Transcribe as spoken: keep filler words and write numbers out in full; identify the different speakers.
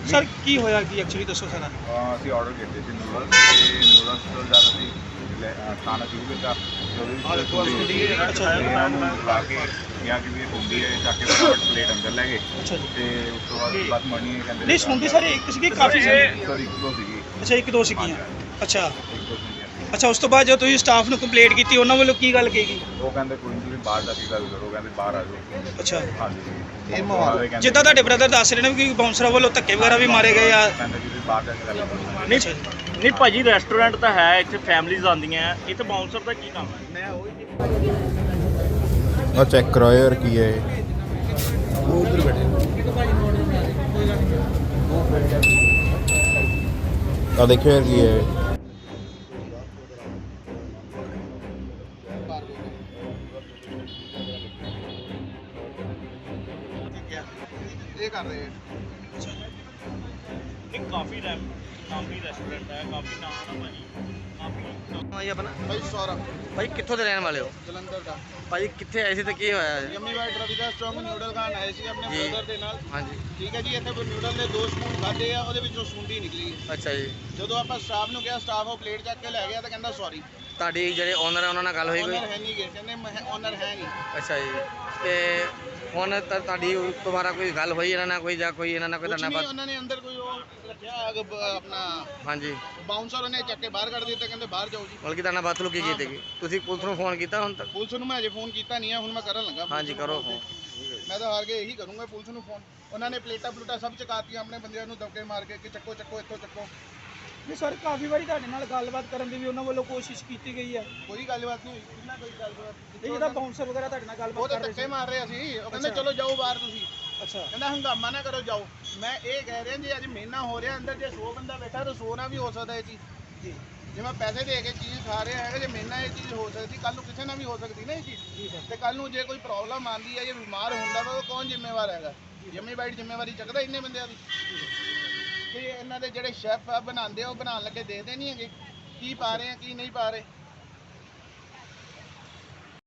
Speaker 1: Sir ਕੀ ਹੋਇਆ ਕੀ actually ਦੱਸੋ ਸਾਰਾ।
Speaker 2: ਅਹ ਅਸੀਂ ਆਰਡਰ ਕੀਤੇ ਸੀ ਨੂਡਲਸ ਤੇ ਨੂਡਲਸ ਤੋਂ ਜ਼ਿਆਦਾ ਅਸੀਂ ਲੈ- ਅਹ ਖਾਣਾ ਸ਼ੁਰੂ ਕੀਤਾ ਤੇ ਉਹਦੇ ਵਿੱਚ ਸੁੰਡੀ
Speaker 1: ਅੱਛਾ ਜੀ।
Speaker 2: ਇਹਨਾਂ ਨੂੰ ਲਾ ਕੇ ਕਿਹਾ ਕਿ ਵੀ ਇਹ ਸੁੰਡੀ ਹੈ, ਚੱਕ ਕੇ ਫਟਾਫਟ ਪਲੇਟ ਅੰਦਰ ਲੈ ਗਏ
Speaker 1: ਅੱਛਾ ਜੀ।
Speaker 2: ਤੇ ਉਸ ਤੋਂ ਬਾਅਦ ਬਸ ਮਣੀ ਕਹਿੰਦੇ
Speaker 1: ਨਹੀਂ ਸੁਣਦੇ ਸਾਰੇ ਇੱਕ ਸੀਗੇ ਕਾਫੀ ਸੀ।
Speaker 2: ਸਰ ਇੱਕ ਦੋ ਸੀਗੀ।
Speaker 1: ਅੱਛਾ ਇੱਕ ਦੋ ਸੀਗੀਆਂ। ਅੱਛਾ
Speaker 2: ਇੱਕ ਦੋ ਸੀਗੀਆਂ।
Speaker 1: ਅੱਛਾ ਉਸ ਤੋਂ ਬਾਅਦ ਜਦੋਂ ਤੁਸੀਂ ਸਟਾਫ ਨੂੰ ਕੰਪਲੇਂਟ ਕੀਤੀ ਉਹਨਾਂ ਵੱਲੋਂ ਕੀ ਗੱਲ ਕਹੀ?
Speaker 2: ਉਹ ਕਹਿੰਦੇ ਕੋਈ ਨਹੀਂ, ਤੁਸੀਂ ਬਾਹਰ ਜਾ ਕੇ ਗੱਲ ਕਰੋ, ਕਹਿੰਦੇ ਬਾਹਰ ਆ ਜਾਓ।
Speaker 1: ਅੱਛਾ
Speaker 2: ਹਾਂਜੀ ਇਹ ਮਾਹੌਲ
Speaker 1: ਜਿੱਦਾਂ ਤੁਹਾਡੇ ਬ੍ਰਦਰ ਦੱਸ ਰਹੇ ਨੇ ਕਿ ਬਾਉਂਸਰਾਂ ਵੱਲੋਂ ਧੱਕੇ ਵਗੈਰਾ ਵੀ ਮਾਰੇ ਗਏ ਆ।
Speaker 2: ਕਹਿੰਦੇ ਜੀ ਤੁਸੀਂ ਬਾਹਰ ਜਾ ਕੇ ਗੱਲ ਕਰੋ।
Speaker 3: ਨਹੀਂ ਨਹੀਂ ਭਾਜੀ ਰੈਸਟੋਰੈਂਟ ਤਾਂ ਹੈ, ਇੱਥੇ ਫੈਮਲੀਜ਼ ਆਉਂਦੀਆਂ, ਇੱਥੇ ਬਾਉਂਸਰ ਦਾ ਕੀ ਕੰਮ ਹੈ? ਮੈਂ ਉਹੀ
Speaker 4: ਆ ਚੈੱਕ ਕਰਾਓ ਯਾਰ ਕੀ ਹੈ ਇਹ।
Speaker 1: ਉਹ ਉਧਰ ਬੈਠੇ
Speaker 4: ਆ ਦੇਖਿਓ ਯਾਰ ਕੀ ਹੈ ਇਹ।
Speaker 2: ਇਹ ਕਰ ਰਹੇ
Speaker 3: ਨਹੀਂ ਕਾਫੀ ਰੈਮ ਕਾਫੀ ਰੈਸਟੋਰੈਂਟ ਹੈ, ਕਾਫੀ ਨਾਮ ਹੈ ਭਾਜੀ, ਕਾਫੀ
Speaker 5: ਭਾਈ ਆਪਣਾ
Speaker 2: ਭਾਈ ਸੌਰਵ
Speaker 5: ਭਾਈ ਕਿੱਥੋਂ ਦੇ ਰਹਿਣ ਵਾਲੇ ਹੋ?
Speaker 2: ਜਲੰਧਰ ਦਾ।
Speaker 5: ਭਾਈ ਕਿੱਥੇ ਆਏ ਸੀ ਤੇ ਕੀ ਹੋਇਆ ਹੈ?
Speaker 2: ਯੰਮੀ ਵਾਈਟ ਰਵੀ ਦਾ ਸਟਰੋਂਗ ਨਿਊਡਲ ਖਾਣ ਆਏ ਸੀ ਆਪਣੇ
Speaker 5: ਜੀ।
Speaker 2: ਬ੍ਰਦਰ ਦੇ ਨਾਲ।
Speaker 5: ਹਾਂਜੀ
Speaker 2: ਠੀਕ ਹੈ ਜੀ, ਇੱਥੇ ਨਿਊਡਲ ਦੇ ਦੋ ਸਪੂਨ ਖਾਦੇ ਆ, ਉਹਦੇ ਵਿੱਚੋਂ ਸੁੰਡੀ ਨਿਕਲੀ।
Speaker 5: ਅੱਛਾ ਜੀ।
Speaker 2: ਜਦੋਂ ਆਪਾਂ ਸਟਾਫ ਨੂੰ ਕਿਹਾ, ਸਟਾਫ ਉਹ ਪਲੇਟ ਚੱਕ ਕੇ ਲੈ ਗਿਆ ਤਾਂ ਕਹਿੰਦਾ ਸੌਰੀ।
Speaker 5: ਤੁਹਾਡੀ ਜਿਹੜੇ ਓਨਰ ਹੈ ਉਹਨਾਂ ਨਾਲ ਗੱਲ ਹੋਈ ਕੋਈ?
Speaker 2: ਓਨਰ ਹੈ ਨਹੀਂ ਗੇ, ਕਹਿੰਦੇ ਓਨਰ ਹੈ ਨਹੀਂ।
Speaker 5: ਅੱਛਾ ਜੀ। ਤੇ ਹੁਣ ਤਾਂ ਤੁਹਾਡੀ ਤੁਹਾਡਾ ਕੋਈ ਗੱਲ ਹੋਈ ਇਹਨਾਂ ਨਾਲ ਕੋਈ ਜਾਂ ਕੋਈ ਇਹਨਾਂ ਨਾਲ ਕੋਈ
Speaker 2: ਕੁਝ
Speaker 5: ਤੁਹਾਡਾ
Speaker 2: ਨਹੀਂ,
Speaker 5: ਬਾਤ?
Speaker 2: ਉਹਨਾਂ ਨੇ ਅੰਦਰ ਕੋਈ ਉਹ ਰੱਖਿਆ ਅਗ- ਬ- ਆਪਣਾ
Speaker 5: ਹਾਂਜੀ
Speaker 2: ਬਾਉਂਸਰ, ਉਹਨੇ ਚੱਕ ਕੇ ਬਾਹਰ ਕੱਢ ਦਿੱਤਾ, ਕਹਿੰਦੇ ਬਾਹਰ ਜਾਓ ਜੀ।
Speaker 5: ਬਲਕਿ ਤੁਹਾਡਾ ਬਾਤ ਲੁਕੀ ਕੀਤੀ ਗਈ? ਤੁਸੀਂ ਪੁਲਿਸ ਨੂੰ ਫੋਨ ਕੀਤਾ ਹੁਣ ਤੱਕ?
Speaker 2: ਪੁਲਿਸ ਨੂੰ ਮੈਂ ਅਜੇ ਫੋਨ ਕੀਤਾ ਨਹੀਂ ਹੈ, ਹੁਣ ਮੈਂ ਕਰਨ ਲੱਗਾ। ਪੁਲਿਸ
Speaker 5: ਹਾਂਜੀ
Speaker 2: ਨੂੰ
Speaker 5: ਕਰੋ
Speaker 2: phone
Speaker 5: ਫੋਨ।
Speaker 2: ਤੇ। ਮੈਂ ਤਾਂ ਹਾਰ ਕੇ ਇਹੀ ਕਰੂੰਗਾ ਪੁਲਿਸ ਨੂੰ ਫੋਨ। ਉਹਨਾਂ ਨੇ ਪਲੇਟਾਂ ਪਲੂਟਾਂ ਸਭ ਚਕਾਤੀਆਂ, ਆਪਣੇ ਬੰਦਿਆਂ ਨੂੰ ਦਬਕੇ ਮਾਰ ਕੇ ਕਿ ਚੱਕੋ ਚੱਕੋ ਇੱਥੋਂ ਚੱਕੋ।
Speaker 1: ਨਹੀਂ ਸਰ ਕਾਫੀ ਵਾਰੀ ਤੁਹਾਡੇ ਨਾਲ ਗੱਲਬਾਤ ਕਰਨ ਦੀ ਵੀ ਉਹਨਾਂ ਵੱਲੋਂ ਕੋਸ਼ਿਸ਼ ਕੀਤੀ ਗਈ ਹੈ।
Speaker 2: ਕੋਈ ਗੱਲਬਾਤ ਨਹੀਂ ਹੋਈ, ਕਿੰਨਾ ਕੋਈ ਗੱਲਬਾਤ
Speaker 1: ਇਹ ਜਿਹਦਾ ਬਾਉਂਸਰ ਵਗੈਰਾ ਤੁਹਾਡੇ ਨਾਲ
Speaker 2: ਉਹ
Speaker 1: ਗੱਲਬਾਤ
Speaker 2: ਤਾਂ
Speaker 1: ਕਰ ਰਹੇ
Speaker 2: ਧੱਕੇ
Speaker 1: ਸੀ।
Speaker 2: ਮਾਰ ਰਹੇ ਸੀ। ਉਹ ਕਹਿੰਦੇ
Speaker 1: ਅੱਛਾ।
Speaker 2: ਚਲੋ ਜਾਓ ਬਾਹਰ ਤੁਸੀਂ।
Speaker 1: ਅੱਛਾ
Speaker 2: ਕਹਿੰਦਾ ਹੰਗਾਮਾ ਨਾ ਕਰੋ, ਜਾਓ। ਮੈਂ ਇਹ ਕਹਿ ਰਿਹਾ ਜੀ ਅੱਜ ਮਹੀਨਾ ਹੋ ਰਿਹਾ ਅੰਦਰ, ਜੇ ਸੌ ਬੰਦਾ ਬੈਠਾ ਤਾਂ ਸੌ ਨਾ ਵੀ ਹੋ ਸਕਦਾ ਇਹ ਚੀਜ਼।
Speaker 1: ਜੀ
Speaker 2: ਜੇ ਮੈਂ ਪੈਸੇ ਦੇ ਕੇ ਚੀਜ਼ ਖਾ ਰਿਹਾ ਹੈਗਾ, ਜੇ ਮਹੀਨਾ ਇਹ ਚੀਜ਼ ਹੋ ਸਕਦੀ, ਕੱਲ ਨੂੰ ਕਿਸੇ ਨਾਲ ਵੀ ਹੋ ਸਕਦੀ ਨਾ ਇਹ ਚੀਜ਼।
Speaker 1: ਜੀ ਸਰ।
Speaker 2: ਤੇ ਕੱਲ ਨੂੰ ਜੇ ਕੋਈ ਪ੍ਰੋਬਲਮ ਆਉਂਦੀ ਹੈ, ਜੇ ਬਿਮਾਰ ਹੁੰਦਾ ਵਾ, ਉਹ ਕੌਣ ਜ਼ਿੰਮੇਵਾਰ ਹੈਗਾ? ਜੰਮੀ ਬਾਈਟ ਜ਼ਿੰਮੇਵਾਰੀ ਚੱਕਦਾ ਇੰਨੇ ਬੰਦਿਆਂ ਦੀ? ਤੇ ਇਹਨਾਂ ਦੇ ਜਿਹੜੇ ਸ਼ੈਫ ਆ ਬਣਾਉਂਦੇ ਆ, ਉਹ ਬਣਾਉਣ ਲੱਗੇ ਦੇਖਦੇ ਨਹੀਂ ਹੈਗੇ ਕੀ ਪਾ ਰਹੇ ਆ ਕੀ ਨਹੀਂ ਪਾ ਰਹੇ।